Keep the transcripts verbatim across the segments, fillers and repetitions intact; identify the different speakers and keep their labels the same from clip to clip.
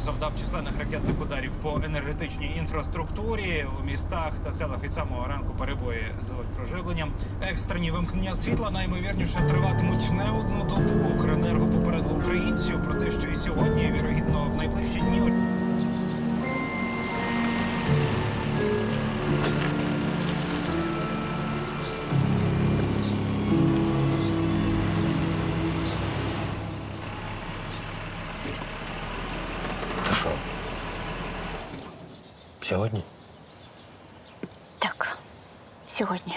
Speaker 1: завдав численних ракетних ударів по енергетичній інфраструктурі. У містах та селах від самого ранку перебої з електроживленням. Екстрені вимкнення світла наймовірніше триватимуть не одну добу. Укренерго попередило українців про те, що і сьогодні, і, вірогідно, в найближчі дні.
Speaker 2: Та що? Сьогодні?
Speaker 3: Так, сьогодні.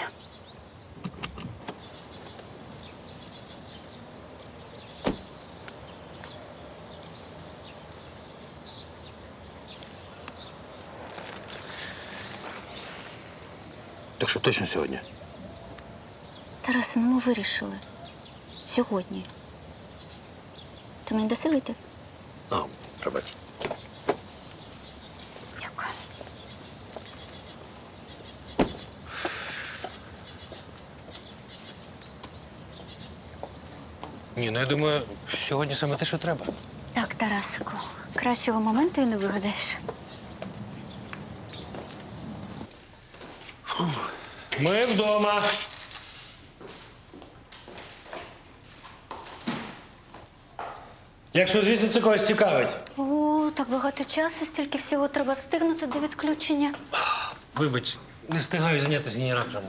Speaker 2: Так що точно сьогодні?
Speaker 3: Тарасе, ну ми вирішили. Сьогодні. Ти мені даси вийти?
Speaker 2: А, пробач.
Speaker 3: Дякую.
Speaker 2: Ні, ну я думаю, сьогодні саме те, що треба.
Speaker 3: Так, Тарасику, кращого моменту і не вигадаєш.
Speaker 2: Ми вдома. Якщо, звісно, це когось цікавить.
Speaker 3: О, так багато часу, стільки всього треба встигнути до відключення.
Speaker 2: Вибач, не встигаю зайнятися генератором.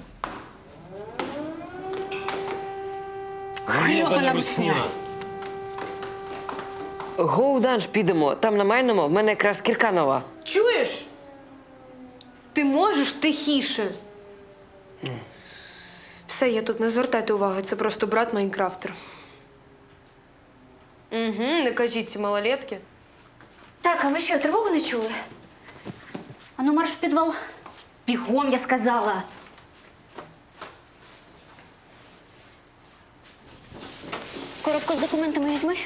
Speaker 3: Грьобана русня.
Speaker 4: Гоу-данж підемо. Там на майному в мене якраз кірка нова.
Speaker 5: Чуєш? Ти можеш тихіше. Все, я тут не звертайте уваги, це просто брат Майнкрафтер. Угу, не кажіть ці малолетки.
Speaker 3: Так, а ви що, тривогу не чули? Ану, марш в підвал. Бігом, я сказала. Коробку з документами візьми.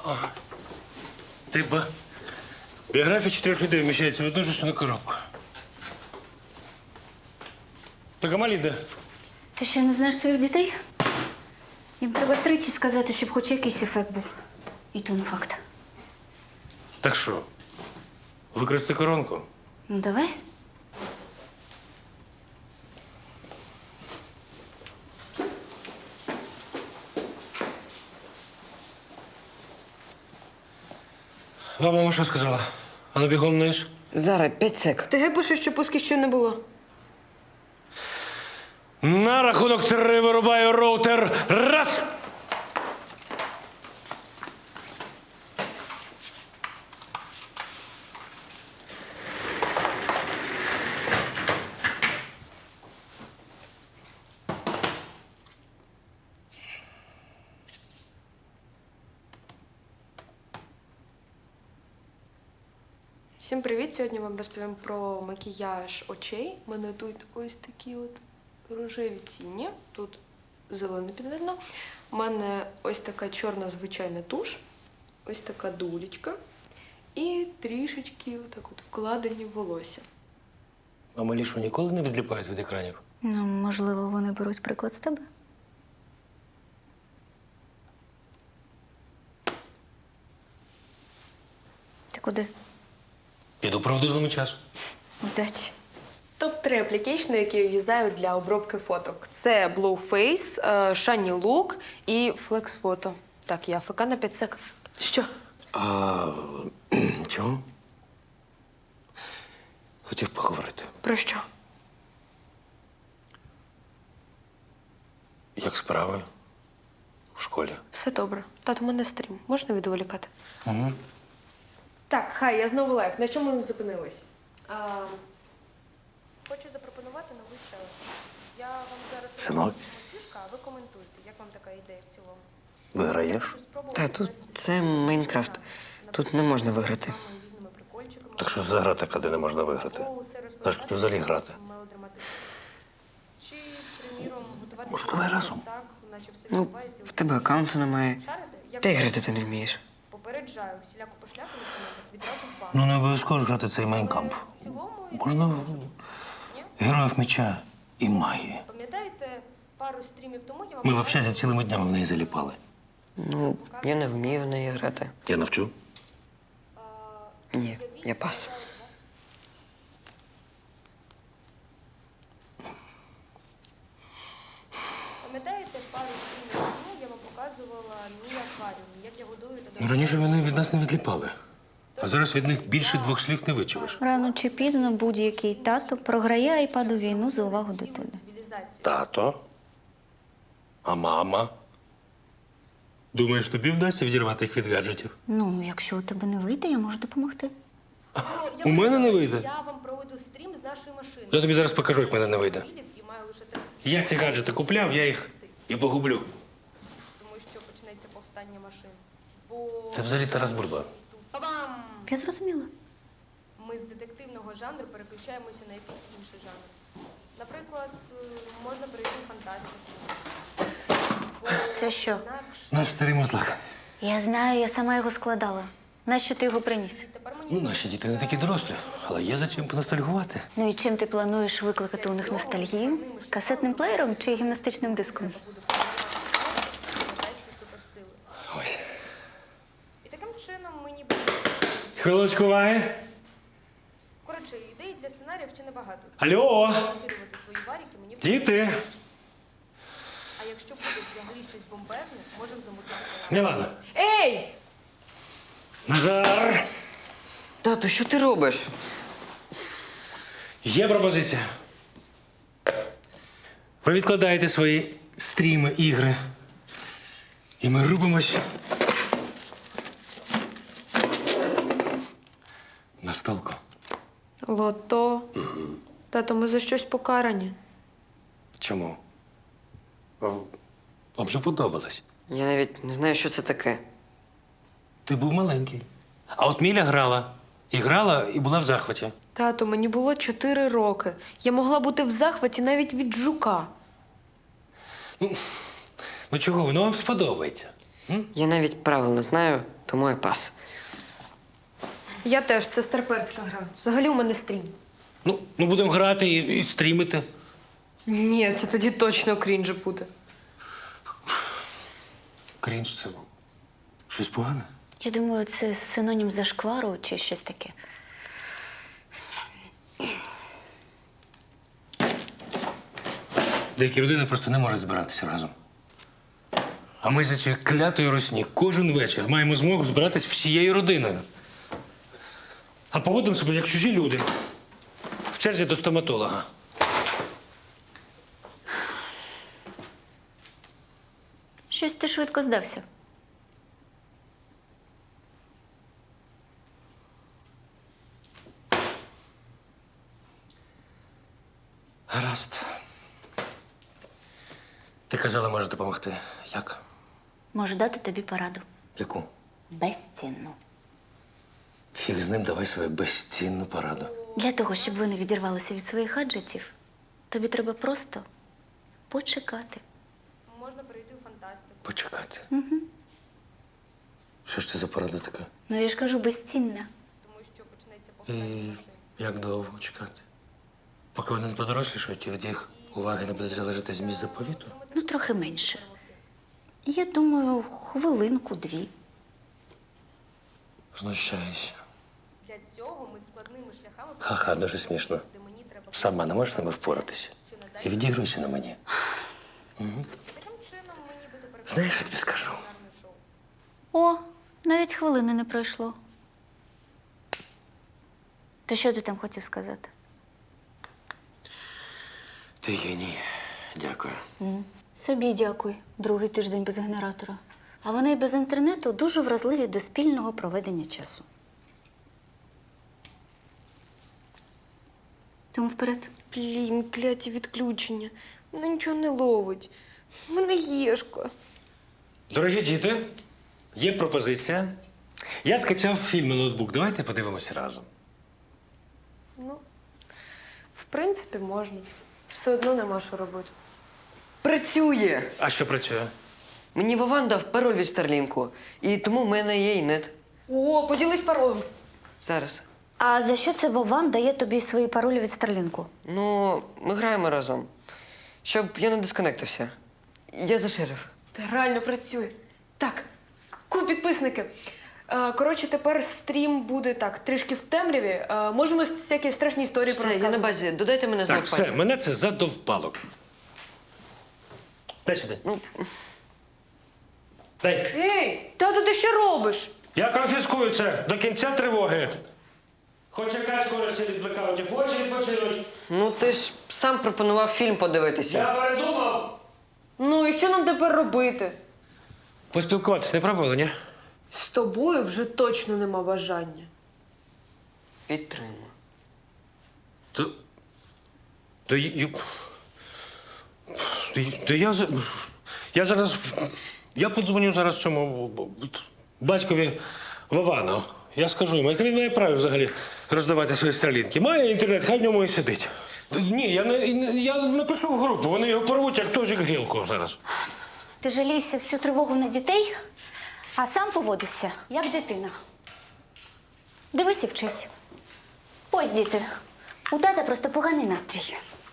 Speaker 2: Ти ба. Біографія чотирьох людей вміщається в одну ж на коробку. Так а малі де?
Speaker 3: Ти що, не знаєш своїх дітей? Їм треба тричі сказати, щоб хоч якийсь ефект був. І то не факт.
Speaker 2: Так що? Використати коронку?
Speaker 3: Ну, давай.
Speaker 2: Вам мама що сказала? А ну бігом вниз.
Speaker 4: Зараз, п'ять сек.
Speaker 5: ТГ пише, що пусків ще не було.
Speaker 2: На рахунок три вирубаю роутер. Раз!
Speaker 5: Всім привіт! Сьогодні вам розповім про макіяж очей. У мене тут ось такі от рожеві тіні. Тут зелене підведено. У мене ось така чорна звичайна туш, ось така дулечка і трішечки отак от вкладені в волосся.
Speaker 2: А малі що, ніколи не відліпають від екранів?
Speaker 3: Ну, можливо, вони беруть приклад з тебе. Ти куди?
Speaker 2: Піду правду злому часу.
Speaker 3: Удачі.
Speaker 5: топ три аплікейшни, які я юзаю для обробки фоток. Це Blueface, е, Shiny Look і Flex Photo. Так, я АФК на п'ять сек. Що?
Speaker 2: А чого? Хотів поговорити.
Speaker 5: Про що?
Speaker 2: Як справи? В школі?
Speaker 5: Все добре. Тато, у мене стрім. Можна відволікати?
Speaker 2: Угу.
Speaker 5: Так, хай, я знову лайв. На чому ми зупинились? А, хочу запропонувати новий челендж. Я вам зараз
Speaker 2: Синок?
Speaker 5: фішка, а ви коментуйте. Як вам така ідея в цілому?
Speaker 2: Виграєш?
Speaker 4: Та тут це Майнкрафт. Тут не можна виграти.
Speaker 2: Так що за гра така, де не можна виграти? На що тут взагалі грати?
Speaker 5: Чи, приміром, готувати
Speaker 2: Може, давай разом?
Speaker 5: так, наче все
Speaker 4: Ну,
Speaker 5: відбувається у
Speaker 4: в тебе аккаунту немає.
Speaker 5: шарите? Як
Speaker 4: Та й грати ти не вмієш.
Speaker 5: попереджаю, всіляку пошляку на коментах відразу в бан.
Speaker 2: Ну, не обов'язково ж грати цей майнкамп.
Speaker 5: В цілому,
Speaker 2: Можна в- героїв меча і магії.
Speaker 5: пам'ятаєте, пару стрімів тому я вам
Speaker 2: Ми взагалі за цілими днями в неї заліпали.
Speaker 4: Ну, я не вмію в неї грати.
Speaker 2: Я навчу.
Speaker 4: Ні, я пас.
Speaker 5: Пам'ятаєте, пару днів тому я вам показувала мій акваріум, як я годую та
Speaker 2: Ну, раніше вони від нас не відліпали. А зараз від них більше двох слів не вичуєш.
Speaker 3: Рано чи пізно будь-який тато програє айпаду війну за увагу дитини.
Speaker 5: цивілізацію.
Speaker 2: Тато? А мама? Думаєш, тобі вдасться відірвати їх від гаджетів?
Speaker 3: Ну, якщо у тебе не вийде, я можу допомогти.
Speaker 2: У мене не вийде.
Speaker 5: Я вам проведу стрім з нашої машини.
Speaker 2: Я тобі зараз покажу, як в мене не вийде.
Speaker 5: І маю лише тридцять,
Speaker 2: Я ці гаджети купляв, я їх і погублю.
Speaker 5: тому що почнеться повстання машин. Бо
Speaker 2: Це взагалі Тарас Бульба.
Speaker 5: Па-бам!
Speaker 3: Я зрозуміла.
Speaker 5: Ми з детективного жанру переключаємося на якийсь інший жанр. Наприклад, е, можна перейти в фантастику. Бо
Speaker 3: Це що?
Speaker 5: інакше
Speaker 2: Наш старий мотлак.
Speaker 3: Я знаю, я сама його складала. Нащо ти його приніс?
Speaker 5: тепер мені
Speaker 2: Ну, наші діти не такі дорослі, але є за чим поностальгувати.
Speaker 3: Ну і чим ти плануєш викликати у них ностальгію? Касетним плеєром чи гімнастичним диском?
Speaker 5: буде формувати суперсили.
Speaker 2: Ось.
Speaker 5: І таким чином ми ніби...
Speaker 2: Хвилочку уваги.
Speaker 5: Коротше, ідей для сценаріїв ще небагато.
Speaker 2: Алло!
Speaker 5: Накидувати свої варіки мені...
Speaker 2: Діти!
Speaker 5: А якщо буде взагалі щось бомбезне, можемо замутити.
Speaker 2: Мілана!
Speaker 5: Ей!
Speaker 2: Назар!
Speaker 4: Тату, що ти робиш?
Speaker 2: Є пропозиція. Ви відкладаєте свої стріми, ігри. І ми рубимось на столку.
Speaker 5: Лото. Тато, ми за щось покарані.
Speaker 2: Чому? Вам же подобалось.
Speaker 4: Я навіть не знаю, що це таке.
Speaker 2: Ти був маленький. А от Міля грала. І грала, і була в захваті.
Speaker 5: Тато, мені було чотири роки. Я могла бути в захваті навіть від жука.
Speaker 2: Ну чого, воно вам сподобається?
Speaker 4: Я навіть правил не знаю, тому я пас.
Speaker 5: Я теж, це старперська гра. Взагалі у мене стрім.
Speaker 2: Ну, ну будемо грати і, і стрімити.
Speaker 5: Ні, це тоді точно крінж буде.
Speaker 2: Крінж це щось погане?
Speaker 3: Я думаю, це синонім зашквару чи щось таке.
Speaker 2: Деякі родини просто не можуть збиратися разом. А ми за цією клятою русні кожен вечір маємо змогу збиратись всією родиною. А поводимо себе як чужі люди. В черзі до стоматолога.
Speaker 3: Щось ти швидко здався.
Speaker 2: Гаразд. Ти казала, може допомогти. Як?
Speaker 3: Можу дати тобі пораду.
Speaker 2: Яку?
Speaker 3: Безцінну.
Speaker 2: Фіг з ним, давай свою безцінну пораду.
Speaker 3: Для того, щоб ви не відірвалися від своїх гаджетів, тобі треба просто почекати.
Speaker 5: Можна перейти в фантастику.
Speaker 2: Почекати. Що ж це за порада така?
Speaker 3: Ну, я ж кажу, безцінна.
Speaker 5: Тому що почнеться
Speaker 2: І
Speaker 5: повстання машин.
Speaker 2: як довго чекати? Поки вони не подорослішають і від їх уваги не буде залежати зміст заповіту?
Speaker 3: Ну, трохи менше. Я думаю, хвилинку-дві.
Speaker 2: Знущаюся.
Speaker 5: Для цього ми складними шляхами...
Speaker 2: Ха-ха, дуже смішно.
Speaker 5: Де мені треба...
Speaker 2: Сама не можеш з ними впоратися. І відігруйся на мені.
Speaker 5: Таким чином ми нібито переходимо
Speaker 2: Знаєш, що тобі скажу?
Speaker 5: на кулінарне шоу.
Speaker 3: О, навіть хвилини не пройшло. То що ти там хотів сказати?
Speaker 2: Ти геній. Дякую.
Speaker 3: Собі дякую. Другий тиждень без генератора. А вони й без інтернету дуже вразливі до спільного проведення часу. Тому вперед.
Speaker 5: Блін, кляті відключення. Вона нічого не ловить. У мене єшка.
Speaker 2: Дорогі діти, є пропозиція. Я скачав фільм на ноутбук. Давайте подивимося разом.
Speaker 5: Ну, в принципі, можна. Все одно нема що робити.
Speaker 4: Працює!
Speaker 2: А що працює?
Speaker 4: Мені Вован дав пароль від Старлінку, і тому в мене є і нет.
Speaker 5: О, поділись паролем.
Speaker 4: Зараз.
Speaker 3: А за що це Вован дає тобі свої паролі від Старлінку?
Speaker 4: Ну, ми граємо разом. Щоб я не дисконектився. Я за шериф.
Speaker 5: Та реально працює. Так, ку підписники. Е, коротше, тепер стрім буде так, трішки в темряві. Е, можемо всякі страшні історії
Speaker 4: Все, я на
Speaker 5: порозказувати.
Speaker 4: базі. Додайте мене
Speaker 2: Так,
Speaker 4: знак
Speaker 2: все,
Speaker 4: пальця.
Speaker 2: мене це задовпало. Дай сюди.
Speaker 4: Ну,
Speaker 2: Дай.
Speaker 5: Ей, тато, ти що робиш?
Speaker 2: Я конфіскую це до кінця тривоги. Хоч якась користь від блекаутів, хоче відпочинуть.
Speaker 4: ну ти ж сам пропонував фільм подивитися.
Speaker 2: Я передумав.
Speaker 5: Ну і що нам тепер робити?
Speaker 2: Поспілкуватись не пробували, ні?
Speaker 5: З тобою вже точно нема бажання.
Speaker 4: Підтримую.
Speaker 2: То. То, я- то, то я, за- я зараз. Я подзвоню зараз цьому батькові Вовану. Я скажу йому, яке він має право взагалі роздавати свої стрілінки. Має інтернет, хай в ньому і сидить. Ні, я, не, я напишу в групу, вони його порвуть, як тожик грілку зараз.
Speaker 3: Ти жалійся всю тривогу на дітей, а сам поводишся, як дитина. Дивись і вчись. Ось діти. У тата просто поганий настрій.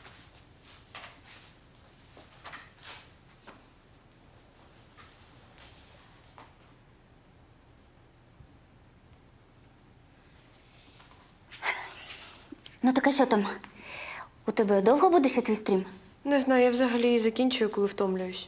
Speaker 3: Ну так а що там? У тебе довго буде ще твій стрім?
Speaker 5: Не знаю, я взагалі закінчую, коли втомлююсь.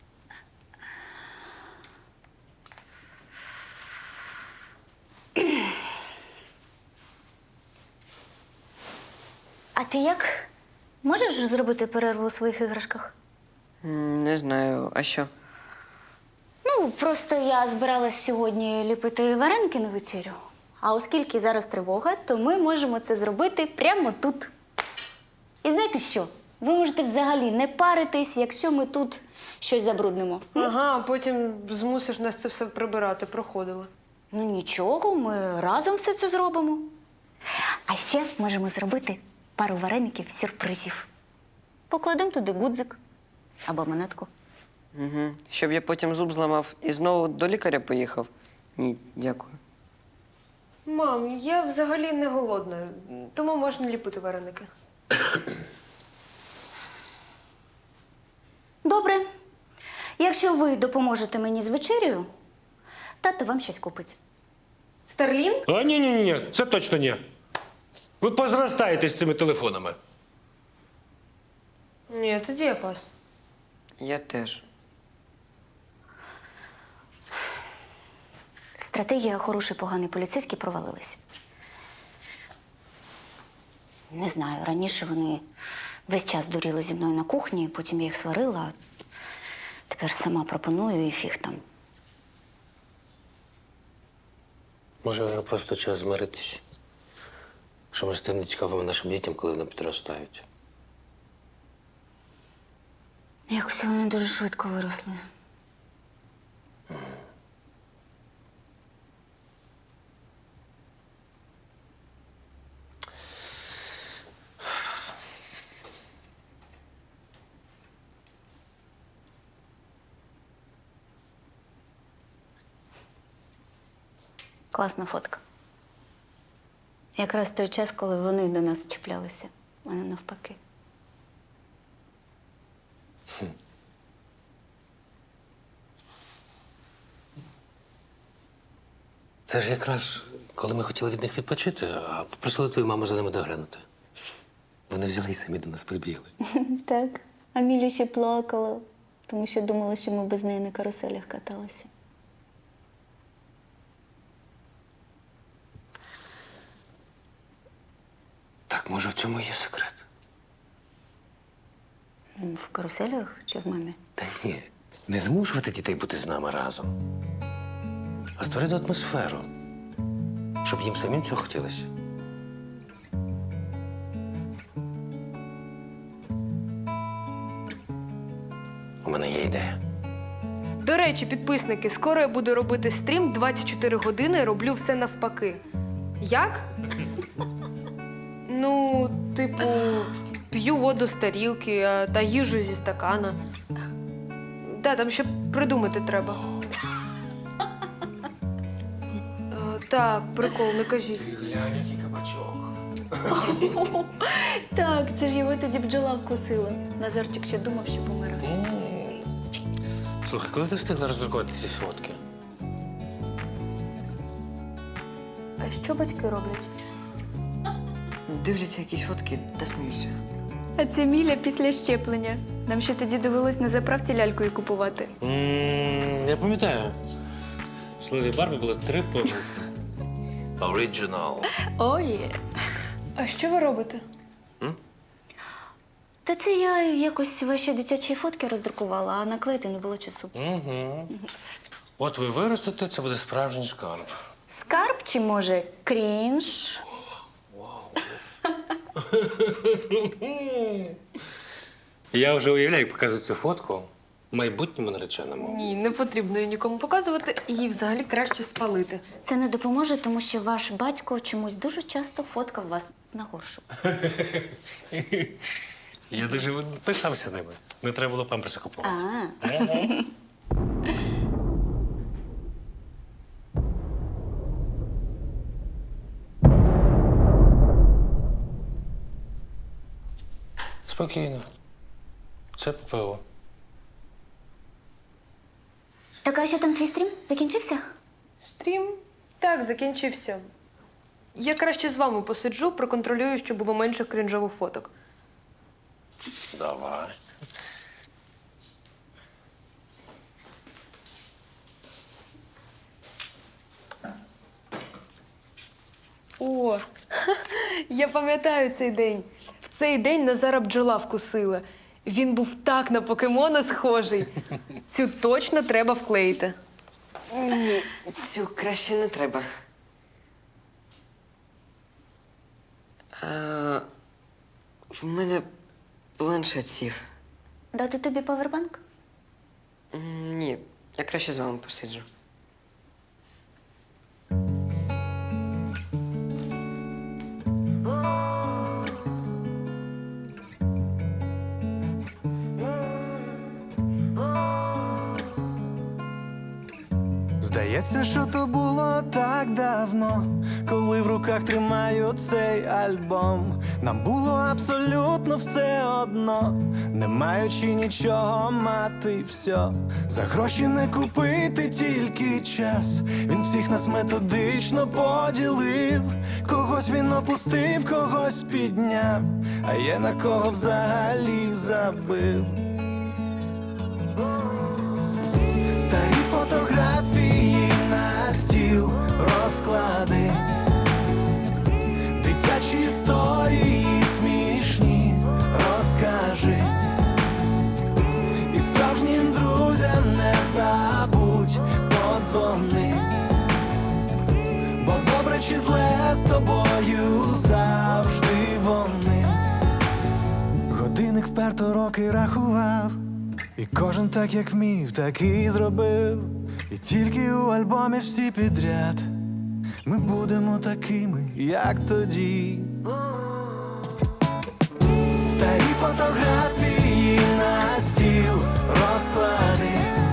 Speaker 3: А ти як? Можеш зробити перерву у своїх іграшках?
Speaker 4: М, Не знаю, а що?
Speaker 3: Ну, просто я збиралась сьогодні ліпити вареники на вечерю. А оскільки зараз тривога, то ми можемо це зробити прямо тут. І знаєте що? Ви можете взагалі не паритись, якщо ми тут щось забруднимо.
Speaker 5: Ага, а потім змусиш нас це все прибирати, проходили.
Speaker 3: Ну нічого, ми разом все це зробимо. А ще можемо зробити пару вареників сюрпризів. Покладемо туди гудзик або монетку.
Speaker 4: Угу. Щоб я потім зуб зламав і знову до лікаря поїхав? Ні, дякую.
Speaker 5: Мам, я взагалі не голодна, тому можна ліпити вареники.
Speaker 3: Добре. Якщо ви допоможете мені з вечерею, тато вам щось купить.
Speaker 5: Старлінг?
Speaker 2: А ні, ні, ні, ні, це точно ні. Ви позростаєте з цими телефонами.
Speaker 5: Ні, тоді я пас.
Speaker 4: Я теж.
Speaker 3: Стратегія хороший, поганий поліцейський провалилась. Не знаю, раніше вони весь час дуріли зі мною на кухні, потім я їх сварила, а тепер сама пропоную і фіг там.
Speaker 2: Може, вже просто час змиритись. Що ми стане цікавими нашим дітям, коли вони підростають.
Speaker 3: Якось вони дуже швидко виросли. Класна фотка. Якраз той час, коли вони до нас чіплялися, а не навпаки.
Speaker 2: Це ж якраз коли ми хотіли від них відпочити, а попросили твою маму за ними доглянути. Вони взяли і самі до нас прибігли.
Speaker 3: Так. А Міля ще плакала, тому що думала, що ми без неї на каруселях каталися.
Speaker 2: Так, може, в цьому є секрет?
Speaker 3: М, В каруселях чи в мамі?
Speaker 2: Та ні, не змушувати дітей бути з нами разом, а створити атмосферу, щоб їм самим цього хотілося. У мене є ідея.
Speaker 5: До речі, підписники, скоро я буду робити стрім двадцять чотири години, роблю все навпаки. Як? Ну, типу, п'ю воду з тарілки а, та їжу зі стакана. Да, там ще придумати треба. Е, Так, прикол, не кажіть.
Speaker 2: Глянь, який кабачок.
Speaker 3: Так, це ж його тоді бджола вкусила. Назарчик ще думав, що помирає.
Speaker 2: Слухай, коли ти встигла роздрукувати ці фотки?
Speaker 5: А що батьки роблять?
Speaker 4: Дивляться якісь фотки та сміються.
Speaker 3: А це Міля після щеплення. Нам ще тоді довелось на заправці лялькою купувати.
Speaker 2: М, Я пам'ятаю. В слові Барбі було три помилки.
Speaker 6: Original.
Speaker 3: Ой.
Speaker 5: А що ви робите?
Speaker 3: Та це я якось ваші дитячі фотки роздрукувала, а наклеїти не було часу.
Speaker 2: Угу. От ви виростете, це буде справжній шкарб.
Speaker 3: Скарб чи, може, крінж?
Speaker 2: Я вже уявляю, як показую цю фотку майбутньому нареченому.
Speaker 5: Ні, не потрібно її нікому показувати. Її взагалі краще спалити.
Speaker 3: Це не допоможе, тому що ваш батько чомусь дуже часто фоткав вас на горшу.
Speaker 2: Я дуже пишався ними. Не треба було памперси купувати.
Speaker 3: А,
Speaker 2: Спокійно. Це ППО.
Speaker 3: так а що там твій стрім? Закінчився?
Speaker 5: Стрім? Так, закінчився. Я краще з вами посиджу, проконтролюю, щоб було менше крінжових фоток.
Speaker 2: Давай.
Speaker 5: О, я пам'ятаю цей день. В цей день Назара бджола вкусила. Він був так на покемона схожий. Цю точно треба вклеїти.
Speaker 4: Ні, цю краще не треба. А, в мене планшет сів.
Speaker 3: Дати тобі павербанк?
Speaker 4: М, Ні, я краще з вами посиджу.
Speaker 7: Здається, що то було так давно, коли в руках тримаю цей альбом. Нам було абсолютно все одно, не маючи нічого мати все. За гроші не купити тільки час. Він всіх нас методично поділив. Когось він опустив, когось підняв, а є на кого взагалі забив. Старі фотографії на стіл розклади, дитячі історії смішні розкажи. І справжнім друзям не забудь подзвони, бо добре чи зле з тобою завжди вони. Годинник вперто роки рахував, і кожен так, як вмів, так і зробив. І тільки у альбомі всі підряд ми будемо такими, як тоді. Старі фотографії на стіл розклади,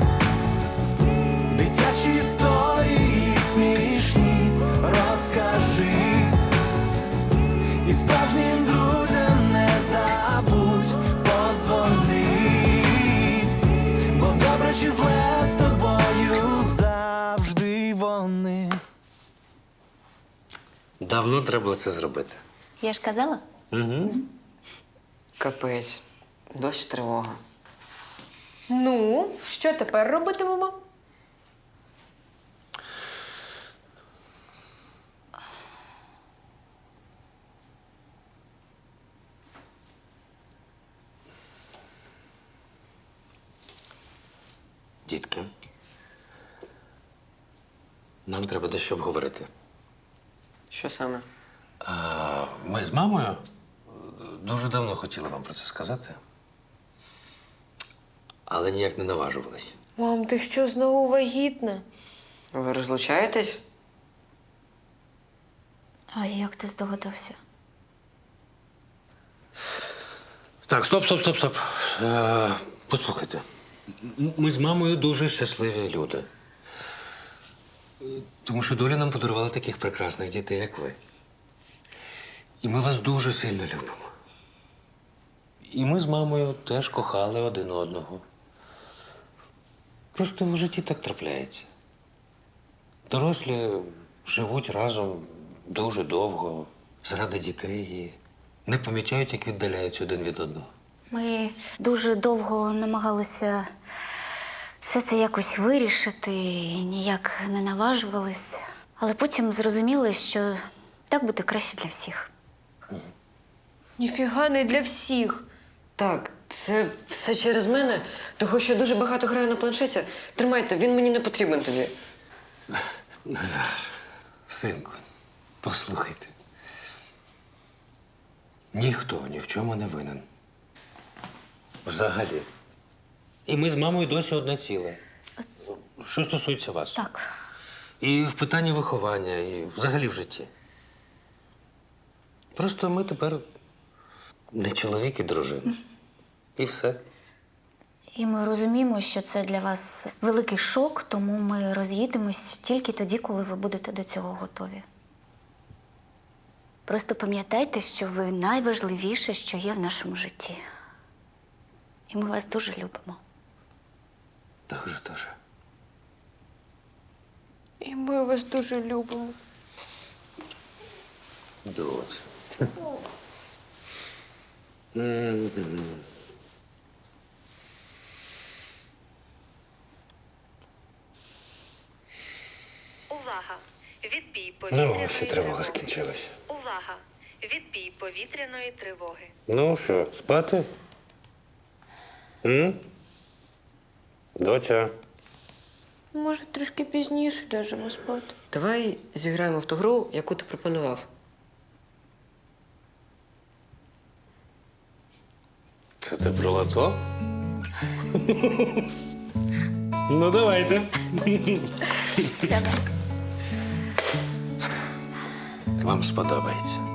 Speaker 7: дитячі історії смішні розкажи. І справжнім друзям не забудь подзвони, бо добре чи зле з тобою завжди вони.
Speaker 2: Давно треба було це зробити.
Speaker 3: Я ж казала.
Speaker 2: Угу.
Speaker 4: Капець, досі тривога.
Speaker 5: Ну, що тепер робитимемо?
Speaker 2: Дітки, нам треба дещо обговорити.
Speaker 4: Що саме?
Speaker 2: А, ми з мамою дуже давно хотіли вам про це сказати, але ніяк не наважувались.
Speaker 5: Мам, ти що, знову вагітна?
Speaker 4: Ви розлучаєтесь?
Speaker 3: А як ти здогадався?
Speaker 2: Так, стоп, стоп, стоп, стоп. Е, послухайте. М- Ми з мамою дуже щасливі люди. Е, Тому що доля нам подарувала таких прекрасних дітей, як ви. І ми вас дуже сильно любимо. І ми з мамою теж кохали один одного. Просто в житті так трапляється. Дорослі живуть разом дуже довго, заради дітей і не помічають, як віддаляються один від одного.
Speaker 3: Ми дуже довго намагалися все це якось вирішити, і ніяк не наважувались. Але потім зрозуміли, що так буде краще для всіх.
Speaker 5: Ніфіга не для всіх.
Speaker 4: Так, це все через мене, того що я дуже багато граю на планшеті. Тримайте, він мені не потрібен тобі.
Speaker 2: Назар, синку, послухайте. Ніхто ні в чому не винен. Взагалі. І ми з мамою досі одне ціле. Що стосується вас.
Speaker 3: Так.
Speaker 2: І в питанні виховання, і взагалі в житті. Просто ми тепер не чоловік і дружина. І все.
Speaker 3: І ми розуміємо, що це для вас великий шок, тому ми роз'їдемось тільки тоді, коли ви будете до цього готові. Просто пам'ятайте, що ви найважливіше, що є в нашому житті. І ми вас дуже любимо.
Speaker 2: Дуже, дуже.
Speaker 5: І ми вас дуже любимо.
Speaker 2: Дуже.
Speaker 6: Увага! Відбій повітряної
Speaker 2: Ну, ще тривога
Speaker 6: тривоги.
Speaker 2: скінчилася.
Speaker 6: Увага! Відбій повітряної тривоги.
Speaker 2: Ну що, спати? М? Доця.
Speaker 5: Може, трішки пізніше ляжемо спати.
Speaker 4: Давай зіграємо в ту гру, яку ти пропонував.
Speaker 2: Це ти про лото? Ну, давайте.
Speaker 3: Давай.
Speaker 2: Вам сподобається.